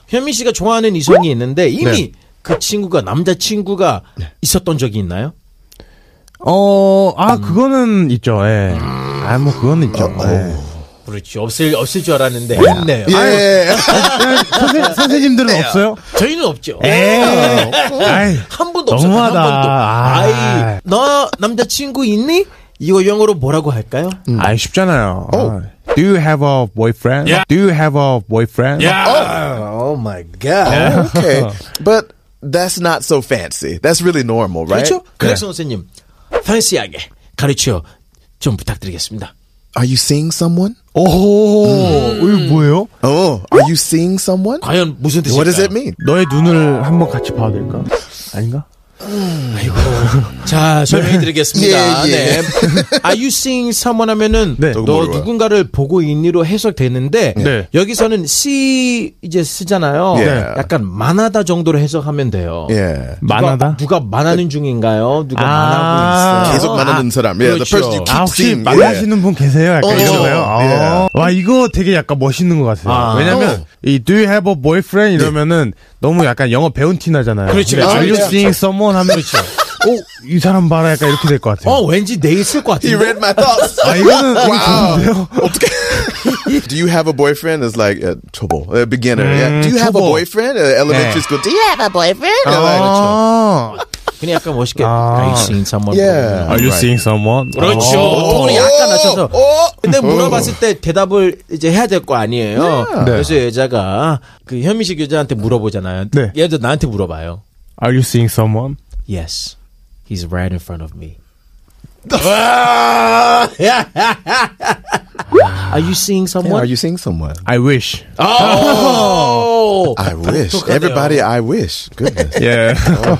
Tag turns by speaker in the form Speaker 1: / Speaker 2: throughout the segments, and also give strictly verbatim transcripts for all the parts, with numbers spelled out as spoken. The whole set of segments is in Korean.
Speaker 1: 현민 씨가 좋아하는 이성이 있는데 이미
Speaker 2: 네.
Speaker 1: 그 친구가 남자친구가
Speaker 2: 네.
Speaker 1: 있었던 적이 있나요?
Speaker 3: 어, 아, 그거는 있죠, 예. 아, 뭐, 그거는 있죠. 예.
Speaker 1: 그렇지. 없을, 없을 줄 알았는데 있네요.
Speaker 2: 예.
Speaker 3: 선생, 선생님들은 없어요?
Speaker 1: 저희는 없죠.
Speaker 3: 에이. 아이,
Speaker 1: 한 번도 없어요. 한
Speaker 3: 너무하다.
Speaker 1: 번도.
Speaker 3: 아.
Speaker 1: 아이, 너 남자친구 있니? 이거 영어로 뭐라고 할까요?
Speaker 3: 아이, 쉽잖아요.
Speaker 2: Oh.
Speaker 3: 아. Do you have a boyfriend?
Speaker 1: Yeah.
Speaker 3: Do you have a boyfriend?
Speaker 1: Oh my god.
Speaker 2: Okay. But that's not so fancy. That's really normal, right?
Speaker 1: 그렇죠? 그래서 선생님, fancy하게 가르쳐 좀 부탁드리겠습니다.
Speaker 2: Are you seeing someone?
Speaker 3: 오, 이거 뭐예요?
Speaker 2: Oh, are you seeing someone?
Speaker 1: 과연 무슨 뜻일까요?
Speaker 2: What does it mean?
Speaker 3: 너의 눈을 한번 같이 봐도 될까? 아닌가?
Speaker 1: 자, 설명해드리겠습니다.
Speaker 2: 예, 예.
Speaker 1: 네. Are you seeing someone 하면은
Speaker 3: 네.
Speaker 1: 너
Speaker 2: 뭐라고요?
Speaker 1: 누군가를 보고 있니로 해석되는데
Speaker 3: 네.
Speaker 1: 여기서는 see 이제 쓰잖아요.
Speaker 2: 예.
Speaker 1: 약간 만하다 정도로 해석하면 돼요.
Speaker 2: Yeah.
Speaker 3: 만하다?
Speaker 1: 누가, 누가 만하는 중인가요? 누가
Speaker 3: 아.
Speaker 1: 만하고 있어요?
Speaker 2: 계속 만하는 사람. Yeah, the
Speaker 1: 그렇죠.
Speaker 2: person you keep
Speaker 3: 아, 혹시
Speaker 2: seeing.
Speaker 3: 만나시는 분 계세요? 약간
Speaker 2: 어,
Speaker 3: 이런
Speaker 2: 어,
Speaker 3: 거요? 아.
Speaker 2: 예.
Speaker 3: 와, 이거 되게 약간 멋있는 것 같아요.
Speaker 1: 아.
Speaker 3: 왜냐면,
Speaker 2: 어.
Speaker 3: 이 do you have a boyfriend? 이러면은 너무 약간 영어 배운 티 나잖아요.
Speaker 1: 그렇지,
Speaker 3: 근데
Speaker 1: 그렇지.
Speaker 3: Are you
Speaker 2: 아,
Speaker 3: seeing someone? 하면, 그렇죠. 오, 이 사람 봐라. 약간 이렇게 될 것 같아요.
Speaker 1: 어, 왠지 내 있을 것
Speaker 2: He
Speaker 1: 같은데.
Speaker 2: read my thoughts.
Speaker 3: 아, 이거는, 이거 좋은데요?
Speaker 2: Do you have a boyfriend? Is like uh, trouble. A beginner. yeah. Do you have a
Speaker 3: 초보.
Speaker 2: boyfriend? Uh, elementary
Speaker 3: 네.
Speaker 2: school. Do you have a boyfriend? Uh, like,
Speaker 3: 아,
Speaker 1: 그냥 약간 멋있게
Speaker 3: 아.
Speaker 1: Are you seeing someone?
Speaker 2: Yeah.
Speaker 3: Are you
Speaker 2: Right.
Speaker 3: seeing someone?
Speaker 1: 그렇죠.
Speaker 3: 어.
Speaker 1: 톤이 약간 낮춰서.
Speaker 2: 어?
Speaker 1: 근데 물어봤을 때 대답을 이제 해야 될 거 아니에요.
Speaker 3: 네.
Speaker 1: 그래서 여자가 그 현미식 여자한테 물어보잖아요.
Speaker 3: 네.
Speaker 1: 얘도 나한테 물어봐요.
Speaker 3: Are you seeing someone?
Speaker 1: Yes, he's right in front of me. Are you seeing
Speaker 2: Yeah,
Speaker 1: someone?
Speaker 2: are you seeing someone?
Speaker 3: I wish.
Speaker 1: Oh,
Speaker 2: I wish.
Speaker 1: 독특하네요.
Speaker 2: Everybody, I wish. Goodness.
Speaker 3: Yeah.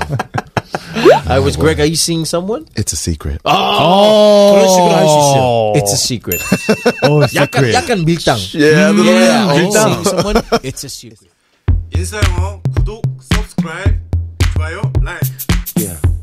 Speaker 1: I was Greg. Are you seeing someone?
Speaker 2: It's a secret.
Speaker 1: 어, 그런 식으로 할 수 있어요. It's a secret.
Speaker 3: Oh,
Speaker 1: 약간
Speaker 3: secret.
Speaker 1: 약간 밀당.
Speaker 2: Yeah, a little bit.
Speaker 1: Yeah, are you
Speaker 2: Oh.
Speaker 1: seeing someone? It's a secret.
Speaker 4: 인싸영어 구독, subscribe, 좋아요, like.
Speaker 1: Yeah.